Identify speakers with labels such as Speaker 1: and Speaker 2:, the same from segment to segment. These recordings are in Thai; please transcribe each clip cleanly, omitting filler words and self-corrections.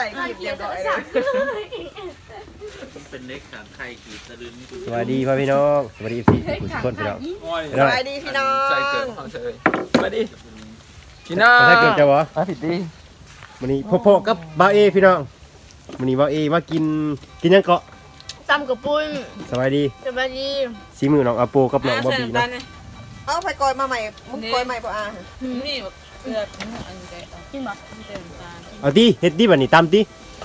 Speaker 1: ส่เรียบร้อยเลย
Speaker 2: เป็นเล็กขางไข่ขีดสะดึง
Speaker 3: สวัสดีพ่อพี่น้องสวัสดีพี่ทุกคนพี่น้อง
Speaker 1: สวัสดีพี่น้อง
Speaker 2: ใส่เกิดของเฉยสวัสดีพี่น้อง
Speaker 3: ถ้าเกิดจะวะ
Speaker 2: ผิดดี
Speaker 3: วันนี้พ่อกับบาเอพี่น้องวันนี้บาเอมากินยังเกาะ
Speaker 4: ตำกับปุ้น
Speaker 3: สวัสดี
Speaker 4: สวัสดี
Speaker 3: สีมือน้องอาโปกับน้องบอบบี้นะ
Speaker 1: เอาไปกอยมาใหม่มึงกอยใหม่ป่ะอ่ะ
Speaker 5: นี่เกลืออันนี้แกะ
Speaker 4: กินบ่
Speaker 5: เติมตาล
Speaker 3: เอาดิเฮ็ดดิบัดนี้ตำดิ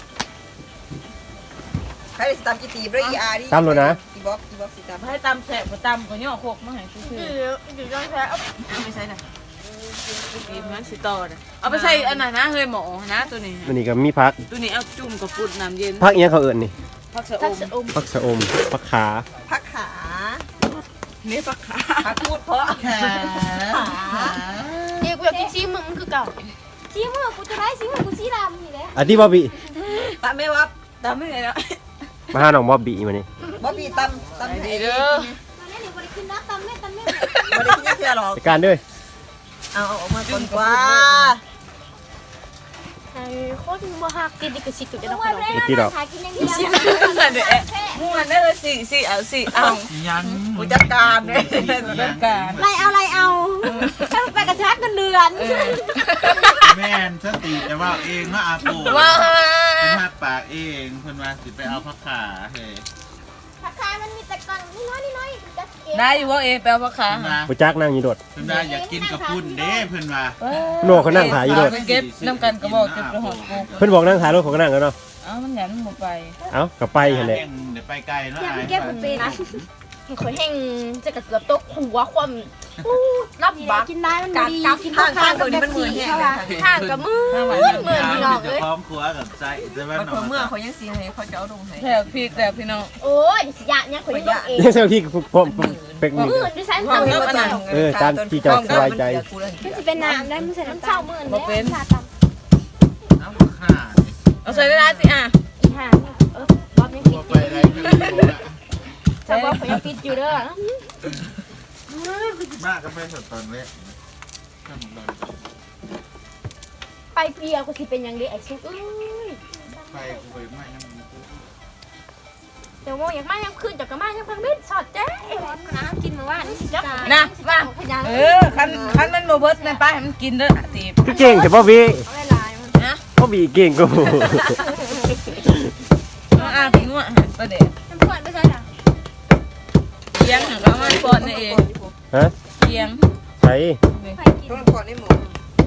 Speaker 1: ใครได้ตามกี่ตีบด้วยอีอาร์ดิ
Speaker 3: ตามเลยนะ
Speaker 1: อีบ็อกสิตาม
Speaker 5: ให้ตำแสบกับตำก็ย่อโคกมาให้ซื่อ
Speaker 4: อยู่จ้องแท้
Speaker 5: ๆไม่ใช่น่ะกินมันสิต่อน่ะเอาไปใส่อันไหนนะเฮ้ยหมอนะตัวนี้
Speaker 3: วันนี้ก็มีผัก
Speaker 5: ตัวนี้เอาจุ่มกับปุ่นน้ำเย็น
Speaker 3: ผักเอียงเขาเอิ้นนี่
Speaker 5: ผักสะอ
Speaker 4: ทัก
Speaker 5: ม
Speaker 4: ษะอม
Speaker 3: ผักสะอมผักขา
Speaker 1: พักขา
Speaker 5: นี่ผักขา
Speaker 1: พักพูดเพราะขา
Speaker 4: เดี๋ยวกูอยากกินซีมึงมันคือเก่าซีมึงกูจะได้ซีมึงกูซีดำนี่แหละ
Speaker 3: อันที่บอบบี้
Speaker 1: ตามไม่วับ
Speaker 5: ตำไม่ได้แล้ว
Speaker 3: มาหาน้องบอบบี้มานี่
Speaker 1: บ๊อบบี้ตำ
Speaker 5: ดี
Speaker 1: ให้
Speaker 5: เด้อ
Speaker 4: ตอนนี้เดี๋ยวกูได้กินนะตำแม่
Speaker 1: ไม่ได้กินเพื่อหรอก
Speaker 3: จัดการด้วย
Speaker 1: เอาออกมาก่อนกว่า
Speaker 4: ไอ้โคตรบ่ฮักกินดิกสิตุกันแล้ว
Speaker 3: ไอ้ที่ดอก
Speaker 4: หากินอย่างเดียว
Speaker 5: เดี๋ยวม้วนได้เลยสี่เอา
Speaker 2: ยัง
Speaker 1: ผู้จัดการเนี่ย
Speaker 5: จัดการ
Speaker 4: ไรเอาถ้าไปกระชากกันเดือน
Speaker 2: แม่นสติแต่ว่าเองว่าอาปู
Speaker 5: ว้า
Speaker 2: เป็นหักปากเองเพิ่นว่าสิไปเอาผักขาเฮ้ย
Speaker 4: ผักคายมันมีแต่ก่อนนี่น้อยจะเก็บ
Speaker 5: ได้อยู่ว่าเอแปลผักขา
Speaker 2: เพิ่นว่า
Speaker 3: บ่จักนั่งอยู่โดด
Speaker 2: เพิ่นว่าอยากกินกับปุ้นเด้เพิ่นว่า
Speaker 3: โน่เขานั่งขายอยู่โดด
Speaker 5: เก็บน้ำกันกระบอกเก็บกระหอบกู
Speaker 3: เพิ่นบอกนั่งขายรถของก็นั่งกันเนาะ
Speaker 5: เอ้ามันหยันหมดไป
Speaker 3: เอ้าก็ไปหั่นแหละ
Speaker 2: เดี๋ยวไปไกลแล้ว
Speaker 4: อยาก
Speaker 2: อาย
Speaker 4: เก็บมันเป็นขอยแห้งจะกระเกือบตกหัวความรับบักกินได้มันดีกิน
Speaker 1: ข้างตัวนี้มันมือแห้งเลย
Speaker 4: ข้างกับมือเหมือนพี่น้อง
Speaker 2: จะ
Speaker 4: เอ้ย
Speaker 2: พร้อมครัวกับใจแต่ว่า
Speaker 1: มันเมื่อเขายังสีให้เขาจะเอาลงให้
Speaker 5: แถวพริกแถวพี่น้อง
Speaker 4: โอ้ยสิยะเนี่ยข่อยต้องเอง
Speaker 3: ยังเซลที่พร้อมเป็กนี่
Speaker 4: มื้อดิฉันทำแล้วมัน
Speaker 3: ตามที่เจ้าสบายใจ
Speaker 4: สิเป็นน้ำได้มื้อใส่น้ำเช้ามื้อนี้ชาตำ
Speaker 2: เอาผักขา
Speaker 5: เอาใส่ได้สิอ่ะ
Speaker 4: อีห่าบอบยัง
Speaker 2: ตัว
Speaker 4: ปิด
Speaker 2: ไป
Speaker 4: อยู่
Speaker 2: ได้ก็รู้ละ
Speaker 4: จะบอกข่อยยังปิดอยู่เด้อ
Speaker 2: มากก็ไม่สดตอนแรก
Speaker 4: ไปเปียกูสิเป็นยังดีไอ้ซุกเอ้ย
Speaker 2: ไปกูไปไม่ยัง
Speaker 4: เดี๋ยวโมอยากมายังคืนจากกะมายังพังมิดสอดเจ๊น้ำกินมาว่านี่สิจ้า
Speaker 5: นะมา
Speaker 4: พยาน
Speaker 5: คันมันโมเบิร์ตในป้าให้มันกินเด้อตีบ
Speaker 3: พี่เก่งแต่บอบบี้
Speaker 4: เอาเวลามัน
Speaker 5: นะ
Speaker 3: บอบบี้เก่งกู
Speaker 5: อาพี่งัวประเดี๋ยว
Speaker 4: น้ำพวนไม่ใช่จ้ะ
Speaker 5: เคียงหางก็มันปอนนี่เอง
Speaker 3: ฮะ
Speaker 5: เคียง
Speaker 3: ใส่
Speaker 4: ใครกิน
Speaker 1: ต้องก่อนให้หมู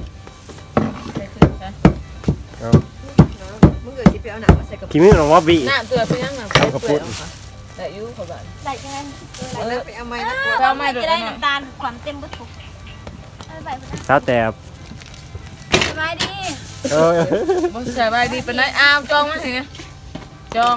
Speaker 1: มึงเกิดที่ไปเอาหนังมาใส่กับ
Speaker 3: คิมิน้องบอบบี้
Speaker 5: หน้าเตือเพียงหนังแต่ยูเขาแบบ
Speaker 4: ใส่กัน
Speaker 1: ไปเอาไม้นะ
Speaker 4: จะได้น้ำตาลความเต็มบุทุกไป
Speaker 3: สาวแต่
Speaker 4: สบายดี
Speaker 3: เออ
Speaker 5: บ่สบายดีเป็นไรอ้าวจองมาสิจอง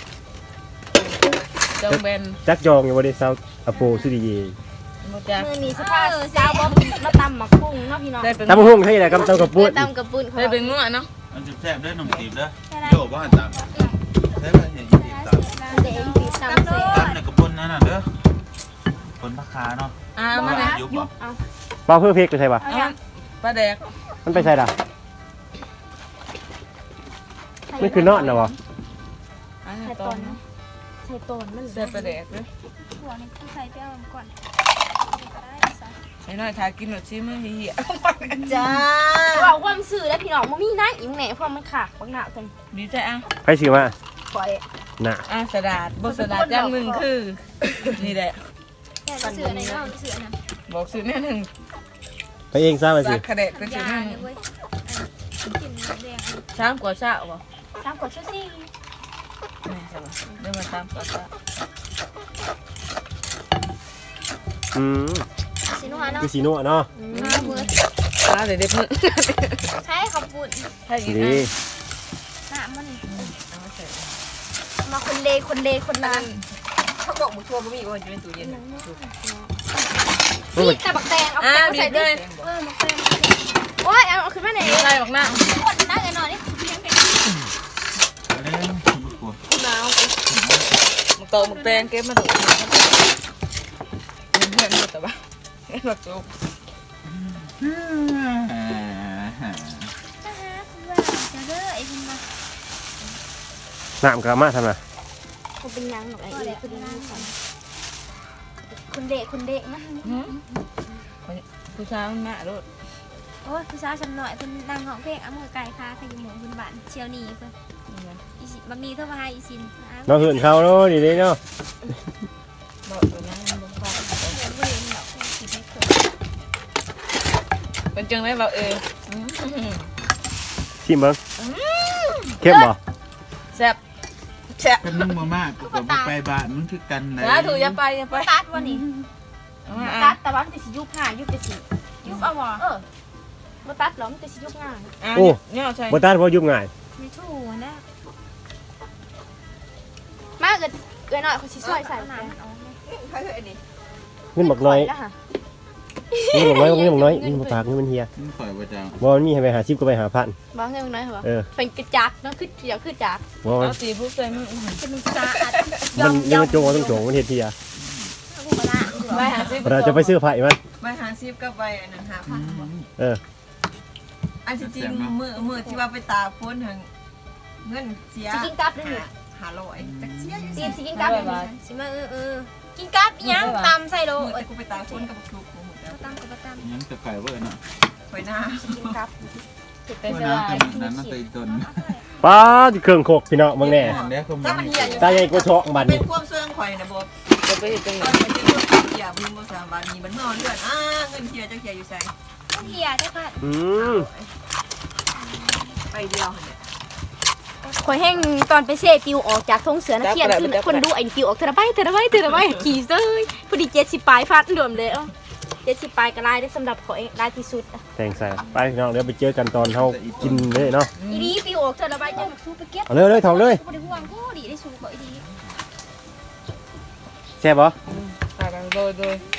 Speaker 5: แบน
Speaker 3: จักจองอยู่บ่ได้สาวอโปสุดีเย
Speaker 5: บ่จ้า
Speaker 4: มือนี้สภาพสาวบ๊อบมาตำหมักกุ้งเนาะพี่น้อง
Speaker 5: ได้เป็น
Speaker 3: ตำหุ่งให้แหละกำจังกับปุ้น
Speaker 4: ตำกับปุ้นเขา
Speaker 5: ได้เป็นงัวเนาะ
Speaker 2: มันจะแซ่บด้วยหนุ่มตีบเด้อโยบ้านตามใช่ไหมเห็นตีบตาม
Speaker 4: เด็กปีตำเสร็จ
Speaker 2: ตามในกระปุนนั่นน่ะเด้อคนผักขาเนาะ
Speaker 5: มาเลย
Speaker 2: ยุบ
Speaker 4: เอา
Speaker 3: เปล่าเพื่อเพกไปใช่ปะ
Speaker 5: ปลาแดก
Speaker 3: มันไปใช่ด่ะมันคือนอนนะวะ
Speaker 5: อัน
Speaker 4: ใส่
Speaker 5: นี้
Speaker 4: ต
Speaker 5: ต้
Speaker 4: อน
Speaker 5: น
Speaker 4: ใส่ตอนมัน
Speaker 5: เสื้อปลาแดกเลย
Speaker 4: หัวนี่คือใส่เปรี้ยวก่อน
Speaker 5: ไอ้น้อยทากินหมดชิมือเหี้ย
Speaker 1: จ้า
Speaker 4: เราความสื่อแล้วพี่น้องมันมีนะอีกแหน่เพราะมันขาดบางหน้ากัน
Speaker 5: ดีใจอ่ะ
Speaker 3: ใครซื้อมา
Speaker 4: ปล่อย
Speaker 3: น่ะ
Speaker 5: สดาดบสดาดอย่างหนึ่งคือนี่แหละ
Speaker 4: แต่เสือในน้องเสือนะ
Speaker 5: บอกซื้อแน่หนึ่ง
Speaker 3: ไปเองซะไปสิ
Speaker 5: จากกระเด็ดเป็นซื้อแน่หนึ่ง
Speaker 4: กินแดง
Speaker 5: ช้างกว่าเช้าบ่
Speaker 4: ตามกดชุดซี่
Speaker 5: นี่ใช่ป่ะเดี๋ยวมาตามกว่าเช้า
Speaker 3: อืม
Speaker 4: สีนัวเนาะ
Speaker 3: คือสีนัวเนาะ
Speaker 4: มือ
Speaker 5: เดี๋ยวเด็กมึง
Speaker 4: ใช้ขับปุ่น
Speaker 5: ใช่อีก
Speaker 3: ดี
Speaker 4: น้ำมันมาคนเลคนนั้น
Speaker 1: เขาบอกหมูชัวร์ไม่มีว่าอยู่ในตู้เย็น
Speaker 4: นี่แต่บักแตงเอาแตงใส่ด้วยบักแตงโอ้ยเอาขึ้นมาไหน
Speaker 5: อะไรบอกหน้า
Speaker 4: กดได้กันหน่อยนี่
Speaker 2: เล่นบุกลัว
Speaker 5: หนาวมึงโตมึงแปลงเก็บมาดูเพื่อนแต่ว่าเห็นแบบจุก
Speaker 4: จะเด้อไอ้คุณมา
Speaker 3: น้ำกระมาทำไม
Speaker 4: เขาเป็นยังหนูไอ้เอ๋คนนี้คนเด็กนะ
Speaker 5: ผู้ชายมันมาโลด
Speaker 4: โอ้ยผู้สาวฉันหน่อยเพิ่นนั่งห้องเพลงเอามือไก่ค่ะขยิบหมูพื้นบ้านเชียวนี่เพิ่นอีสิบะหมี่โทรมาหาอีซิน
Speaker 3: เราเหินเขาเนาะดีเลยเนาะ
Speaker 5: บอกตัวนั้นมันบ่ฟัง
Speaker 4: เงินบ่เห็นดอกสิไม่เคย
Speaker 5: เป็นจังได๋บ่เออ
Speaker 3: ชิมเบิ้งเข้มบ่
Speaker 5: แซ่บแซ่บ
Speaker 2: กันมึงมามากกูก็บ่ไปบ้านมึงคือกันไหน
Speaker 5: นะถูกอย่าไปอย่าไป
Speaker 4: ตัดวันนี้
Speaker 5: เอามา
Speaker 4: ตั
Speaker 5: อ่ะ
Speaker 4: ดแต่ว่ามันจะสิยุบง่ายยุบไปสิยุบเอาบ่มาตัดหรอมันจะสิยุบง่าย
Speaker 3: โอ้
Speaker 5: เนี่ยใช่
Speaker 3: บ่ตัดเพราะยุบง่าย
Speaker 4: ไม่ถูกนะมาเกิดหน่อยเขาสิซอยใส่น้ำมันออก
Speaker 1: ใครเคยอันนี้
Speaker 3: เงินบักน้อย
Speaker 4: แล้วค่ะ
Speaker 3: เงินบักน้อยเงินบักน้อยเงินบักปากเงินมันเฮีย
Speaker 2: มึงข่อยบ่จัง
Speaker 3: บ่มันมีให้ไปหาชิปก็ไปหาพัน
Speaker 4: บ้าเงินน้อยเหรอ
Speaker 3: เออ
Speaker 4: เป็นกระจักเนาะคือเดี๋ยวคือจัก
Speaker 3: บ่มัน
Speaker 5: เอาสีผู้ใส่มือ
Speaker 4: จะมันสะอาด
Speaker 3: มันยังมันโจงต้องโจงมันเฮ็ดเฮีย
Speaker 4: กูก็ละ
Speaker 5: ไปหาซื้อ
Speaker 3: เราจะไปซื้อไผ่มัน
Speaker 1: ใบหาซิบกับใบอันนั้นหาพันบ่
Speaker 3: เออ
Speaker 1: อันที่จริงมือที่ว่าไปตากฝนทางเงินเสีย
Speaker 4: สิกินกับด้วยนี่
Speaker 1: หาร้อยจักเสียอยู่
Speaker 4: สิ
Speaker 1: สิ
Speaker 4: กินกับด้วยนี่สิมากินกับยังตำใส่โล
Speaker 1: มือแต่กูไปตากฝนกับทุกหมูแล้ว
Speaker 4: ตำกับตำ
Speaker 2: ยังจะไก่เว้ยเนาะ
Speaker 1: ไปหน้า
Speaker 4: กินกับ
Speaker 5: เป็น
Speaker 2: ว่า
Speaker 5: จะ
Speaker 2: น้ำ
Speaker 5: ได้
Speaker 2: แต่นั้นน่ะตีตน
Speaker 3: ป้าที่เครื่องโคกพี่น้องมึงแน่
Speaker 2: อันนี้คือ
Speaker 1: ถ้ามันเหี่ยอยู่
Speaker 3: ตาใหญ่กว่าช็อกบัด
Speaker 1: เป็
Speaker 3: นี้
Speaker 1: นความเสื่องข่อยนะบ่
Speaker 5: จะไปเฮ็ดจัง
Speaker 1: ต
Speaker 5: ได๋
Speaker 1: อนนี้เป็นความเหี่ยมึงบ่สามบาทนี้มันเมื่อเลือดเงินเหี่ยจักเหี่ยอยู่ใส่
Speaker 4: เฮียได้ค่ะ
Speaker 3: อืม
Speaker 1: ไปเดียวเนี่ย
Speaker 4: ข่อยแห้งตอนไปเซปิวออกจากทงเสือนักเขียนคือคนดูไอ้ปิวออกเทระใบขี่เซ้ยพอดี70ปลายฟาดรวมเลย70ปลายก็ลายได้สำหรับข่อยลายที่สุด
Speaker 3: แทงใส่ไปพี่น้องเดี๋ยวไปเจอกันตอนเฮากินเลยเนาะ
Speaker 4: อีดีปิวออกเทระใบจะสู้ไปเก็บ
Speaker 3: เอาเลยถองเลย
Speaker 4: บ่ได้ห่วงกูดีได้สู้บ่อีดี
Speaker 3: แซ่บบ่
Speaker 5: ตาดังโดย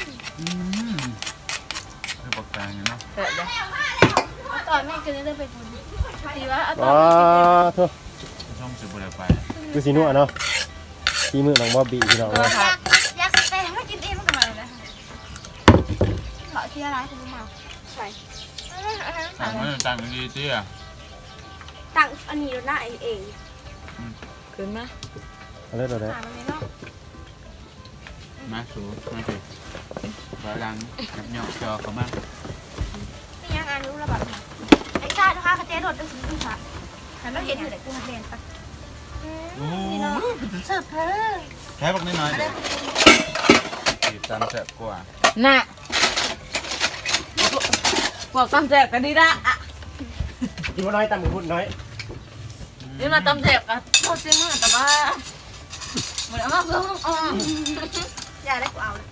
Speaker 2: คือบอกกลางเนาะ
Speaker 5: แซ่บเด้อ
Speaker 4: ตอนแม่กินได้ไปบุญดีว่าตอ
Speaker 3: อ๋
Speaker 4: น
Speaker 3: อโทษ
Speaker 2: ช่องสิบ่ได้ไป
Speaker 3: คือสินัวเนาะที่มือน้องบอบบี้พี่น้องเนาะ
Speaker 4: อยากแต่ไม่กินเองมันก็มาเลยเหมาะที่อะไรคุณมาใช่
Speaker 2: ต่างไม่ต่างดีเตี้ย
Speaker 4: ตั้งอันนี้หน้าเอง
Speaker 5: ขึ้นมา
Speaker 3: เอาเลยเอาเลย
Speaker 4: หามันเลยเนาะ
Speaker 2: มาสูมาสิบาลังนับเหยาะจอเขามา
Speaker 4: นี่ยังอ่านรู้ระบาดไอ้ชาตินะคะกระเจี๊ยดดเป็นสิ่งที่ค่ะแต่เราเห็นอยู่แต่กูหันเรียนปะ
Speaker 2: โอ้
Speaker 4: เสิร์ฟเธอ
Speaker 2: แค่บอกน้อยๆติดตามแซ่บกว่า
Speaker 5: น่ะบอกตำแซ่บกันดีละอ่ะ
Speaker 3: กินบ่น้อยตามมือพูดน้อย
Speaker 5: เดี๋ยวมาตำแซ่บอ่ะโทษซิมึงแต่ว่าบ่ได้มาเพิ่ม
Speaker 4: อย่าได้กูเอาเลย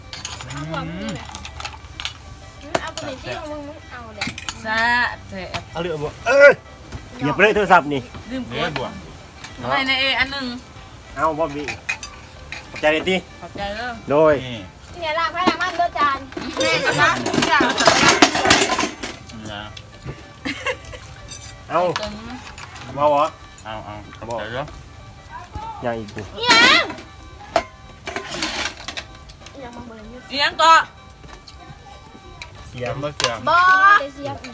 Speaker 4: เอาตัวนี้ที่มึงเอาเลย
Speaker 5: แซ่บแซ่บ
Speaker 3: เอาเรือบ่เหยียบไปเลยโทรศัพท์นี่
Speaker 5: ลืมก
Speaker 2: เด้
Speaker 5: ด
Speaker 2: บ่วง
Speaker 5: ไปในอันหนึง
Speaker 3: เอาบอบบี้ขอบใจเลยติ
Speaker 5: ขอบใจเด้อ
Speaker 3: โดย
Speaker 2: นี่
Speaker 4: เนี่ยล้างไผ่ล้างมันด้วยจาน
Speaker 5: แม่จะมาทุกอย่าง
Speaker 2: นะ
Speaker 3: เอา
Speaker 5: ตรงนี้
Speaker 3: บ่บ่
Speaker 2: เอาเดี๋ยว
Speaker 3: ยังอีกกู
Speaker 4: ยังมาเบิ่งอยู่
Speaker 5: อีหยังก็
Speaker 3: เสีย
Speaker 2: เสีย
Speaker 3: ม
Speaker 2: งบ่เสียง
Speaker 5: บ่
Speaker 4: ได้เสียบ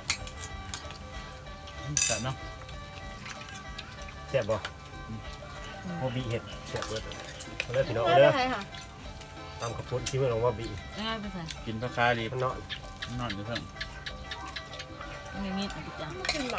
Speaker 2: แซ่บเนาะ
Speaker 3: แซ่บบ่บอบบี้เฮ็ดแซ่บเบิดเอาเลยพี่น้อง
Speaker 4: ไม่
Speaker 3: เอา
Speaker 4: ได้
Speaker 3: เด้อ
Speaker 4: ใครค่ะ
Speaker 3: ตามขอบคุณที่มือน้องบอบบี้
Speaker 5: ง่ายไปใส่
Speaker 2: กินปลาคาดี
Speaker 3: มันเนาะ
Speaker 2: นอนอยู่เพิ่ง
Speaker 5: มีมีดอีกจ้ะ
Speaker 4: กินหรอ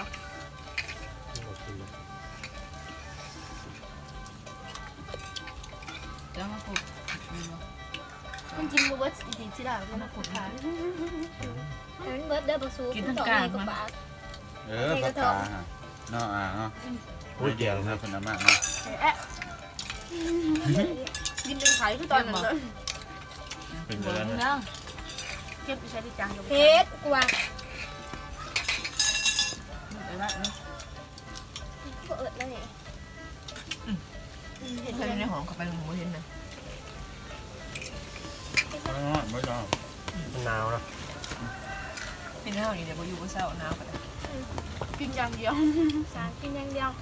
Speaker 5: แล้วมาปลูก
Speaker 4: มันกินเบิร์ดอีกทีละมันมาขุดขามันเบิร์ดเด้อบักซูกว่าบาท
Speaker 2: ปลาคาฮะเนาะเนาะอุ้ยเดี๋ยวนะคุณน้ำมากเนาะ
Speaker 4: กินเป็นไข่คือตอนนั้นเลย
Speaker 2: เป็น
Speaker 5: บ่
Speaker 2: เดือน
Speaker 5: แล้ว
Speaker 4: เก็บไปใช้ที่จังเพชรกว่า
Speaker 5: ไปละเนาะ
Speaker 4: ก็เอิดแล้วเนี่ย
Speaker 1: เห็นใครในห้องเขาไปหมูเห็นน่ะ
Speaker 2: ไม่ชอบ
Speaker 3: มันหนาวเนาะ
Speaker 1: เป็นเฮานี่เดี๋ยวบ่อยู่บ่เช้าหนาวกัน
Speaker 4: กินอย่างเดียวสารกินอย่างเดียว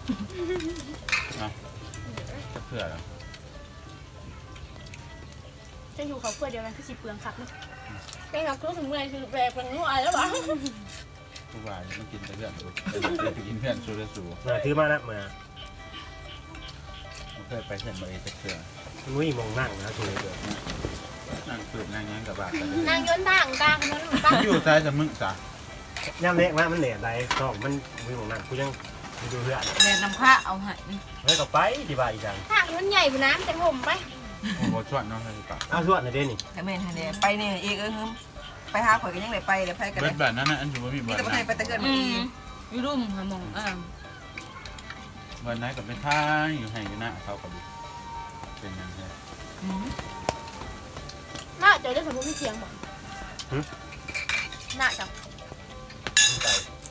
Speaker 2: จะเผื่อ
Speaker 4: จะอยู่เขาเพื่อเดียวกันคือสิเปลืองคักนะเป็นกับครูถึงเมื่อคือแปลกเป็นนู่นอะไรแล้วบ้าง
Speaker 2: ทุกวันมันกินแต่เพื่อนสูกินเพื่อนสูเลยสู
Speaker 3: มาถือมานะมา
Speaker 2: เคยไปเส้นบริเตเกลือ
Speaker 3: มันไม่มองนั่งนะตัวเดียว
Speaker 2: นั่งสืบนั่งยังกับบาทกัน
Speaker 4: นางย้อนด่างกลางนั้นบ้าง
Speaker 2: อยู่ซ้ายจะมึงจ้ะ
Speaker 3: ย่ำเล็กมากมันเหนื่อยไรต้องมันไม่มองนั่งกูยังดูเพื่อน
Speaker 5: แม่นำข้าเอาให้
Speaker 3: เฮ้ยก็ไปดีบ่าอีกจัง
Speaker 4: ทางมันใหญ่กว่าน้ำแต่ผมไป
Speaker 2: โอ้โหชวนน้องเลยปะ
Speaker 3: อ้าวชวดหน่อยเด้นี่
Speaker 1: แต่แม่นหันเด้ไปเนี่ยเอกไปหาข่อยก็ยังได้ไปเดี๋ยวไปกัน
Speaker 2: เบิ
Speaker 1: ได้
Speaker 2: ดแบบนั้นนะอันถือว่ามี
Speaker 1: มี
Speaker 2: เบิด
Speaker 1: แต่บ่
Speaker 2: นะ
Speaker 1: ทันไปตะเกิดมื้อนี้
Speaker 5: อยู่รุ่มหามอง
Speaker 2: วันไหนกับไปท่ายอยู่ให้อยู่หน้าเขากับเป็นยังไง
Speaker 4: น่าจะได้สมมติมีเสียงบอกน่าจะ
Speaker 3: ไป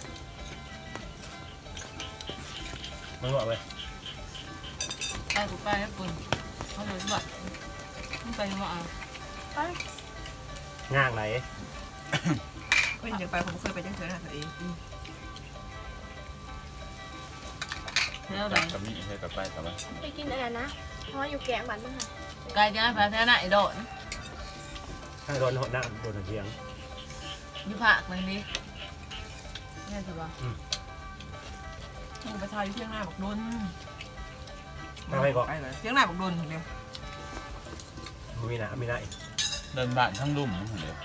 Speaker 3: มึงบอกเลย
Speaker 5: ไปกูไปให้ปุ่นเขาเลยบอกมึงไปยังไงอ่ะ
Speaker 3: ง่างไหน
Speaker 1: เพิ่นจะไปผมเคยไปจังซี่นะตัวเอง
Speaker 5: แล้วไหน
Speaker 2: กับนี่ให้กับไปกับว่า
Speaker 4: ไปกินอะไรนะเพราะว่าอยู่แกงบันมั้งค่ะ
Speaker 5: กายจะพาแท้หน้าไอ้โดน
Speaker 3: ถ้าโดนหดหน้าโดนเสียง
Speaker 5: อยู่ผักมันดิแม่จะบอก
Speaker 1: มึงไปทายอยู่เที่ยงหน้าบักดน
Speaker 3: ทำไมบอก
Speaker 1: ไปเลยเที่ยงหน้าบักดนเดียว
Speaker 3: มีหน้ามีหน้าอีก
Speaker 2: เดินบ้านทั้งลุ่มทั้งเดียว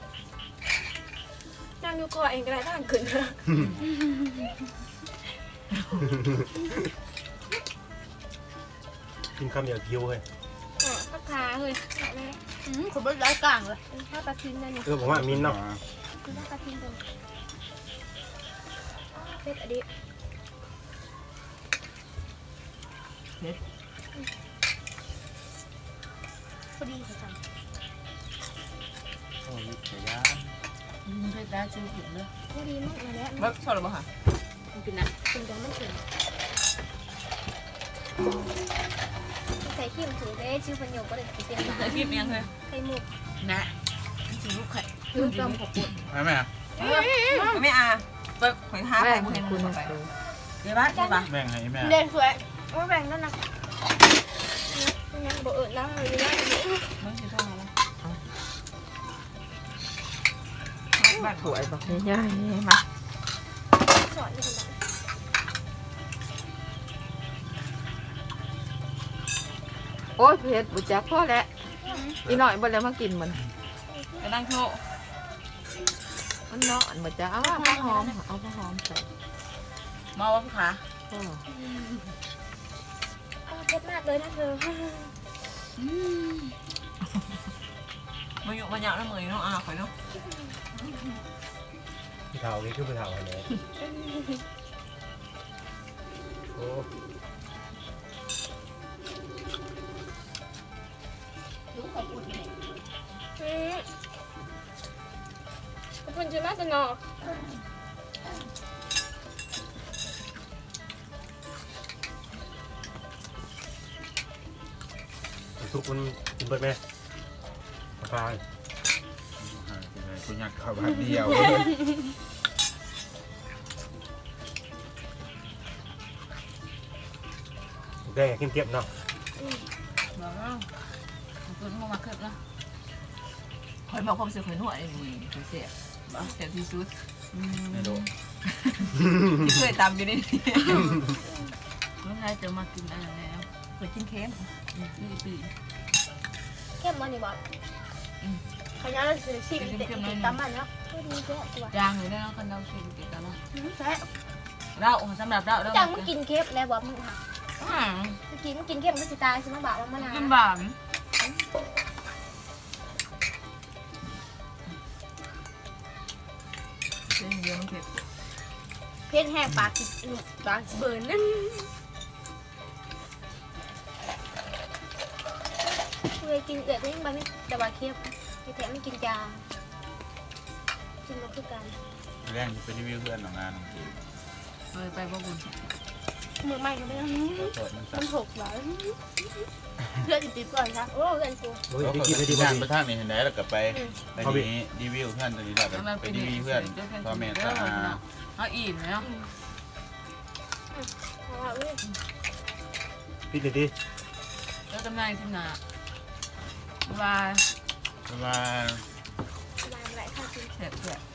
Speaker 4: นั่งอยู่ก่อเองก็ได้ถ้ามันขึ้น
Speaker 3: กินคำเดียวคิวเลย
Speaker 4: พักขาเลยคุณเป็นร้อยกลางเลยข้าวตาทิ้งนั่นนี่
Speaker 3: ผมว่ามินเนาะ
Speaker 4: คุณข้าวตาทิ้งตรงเป็ดอดีพอดีค่ะจัง
Speaker 2: โอ้ยเสียยา
Speaker 5: มึงเคยได้ชื่อผิดเลย
Speaker 4: พอดีมากเลยแหละ
Speaker 1: เบิกชอบหรือเปล่าคะ
Speaker 5: มึงกินนะ
Speaker 4: กินกันไม่ถึงใส่ขี้มถือได้ชื่อพันโยก็เลยติดเตียงมา
Speaker 5: เคยกินยังเคย
Speaker 4: ไข่หมู
Speaker 5: นะชื่อลูกไข่
Speaker 4: ลูกกำขอบคุณ
Speaker 2: ใช่ไหม
Speaker 1: ไม่อาไปข่อยหาไปบ่เห็นคุณไป
Speaker 5: เดี๋ยวบ้านเดี๋ยวบ้าน
Speaker 2: แบ่งให้แม่
Speaker 4: เด่นสวยไม่แบ่งนั่นนะยังบอกนั่งเลยนะ
Speaker 5: มึงจะโทรมาแล้ว
Speaker 1: บ้าน
Speaker 5: ถวยบอกง่ายๆมา
Speaker 4: สอนอยู่คนละ
Speaker 6: โอ้ยเผ็ดบุจักพ่อแล้วอีหน่อยบ่แล้วมากินมัน
Speaker 5: ไปนั่งโทร
Speaker 6: มันเนาะอันบ่จักเอาว่าผ้าหอมเอาผ้าหอมใส่
Speaker 5: มาว่าขา
Speaker 6: พ่อ
Speaker 4: เผ็ดมากเลยนะเธอ
Speaker 1: มาอยู่มาเหยาะแล้วมืออยู่เนาะข่อยเนาะ
Speaker 3: ผู้เฒ่านี่คือผู้เฒ่าอะไรโอ้
Speaker 4: ขอบคุณจะน่าจะนอก
Speaker 3: ทุกคนกินเบิดไหมพา
Speaker 2: กูอยากเข้าบ้านเดียว
Speaker 3: แกกินเก็บเนาะ
Speaker 5: บอกแล้วคุณมาขึ้นแล้ว
Speaker 1: ข่อยบอกความเสียข่อยนวดไอ้มือข่อยเสียเสียที่สุด
Speaker 2: ไม่รู้
Speaker 1: ที่เคยตำอยู่นี่
Speaker 5: เมื่อไรจะมากินอะไรแล้ว
Speaker 1: ข่อยกินเค็ม
Speaker 5: นี่ปี
Speaker 4: เข้มมันนี่บอกขยันเราซื้อชิมเด็ดกินตามมันเนาะก็ดีแค่ตัว
Speaker 5: จางอยู่แล้วกันเราชิมกินกันแล้ว
Speaker 4: แค่
Speaker 5: เราสำหรับเราเรา
Speaker 4: จังมึงกินเค็มแล้วบอกมึงค่ะ
Speaker 5: อืม
Speaker 4: กินเค็มก็สิตายใช่ไหมบอกว่ามัน
Speaker 5: กินหวาน
Speaker 1: เส้นเดียวมันเผ็ด
Speaker 4: เผ็ดแห้งปากปากเบิร์นนั่นเคยกินเกิดไม่ยังไม่แต่ว่าเค็มแถมไม่กินจางกินมาคือกัน
Speaker 2: แรงจะไปรีวิวเพื่อนของงานของจี
Speaker 5: เลยไปบ่บุญ
Speaker 4: มือใหม่ก็ไม่ต้อง
Speaker 2: โสดมัน
Speaker 4: มันหกบาทเพื่อนติดก่อนครับโอ้เพื่อนกู
Speaker 3: โอ้ยได้กินได้ดี
Speaker 2: งา
Speaker 3: บ่
Speaker 2: น
Speaker 3: ดี
Speaker 2: ไปทางนี้เห็นไหมแล้วก็ไปนี้รีวิวเพื่อนตัวนี้แล้วไปรีวิวเพื่อนพ่อแม่ตา
Speaker 5: เอาอิ่มแล้ว
Speaker 3: พี่ดีดี
Speaker 5: แล้วกำลังที่หนาบาย
Speaker 2: เพราะว่า
Speaker 4: มาอะไรข้าวกิน
Speaker 1: แซ่บ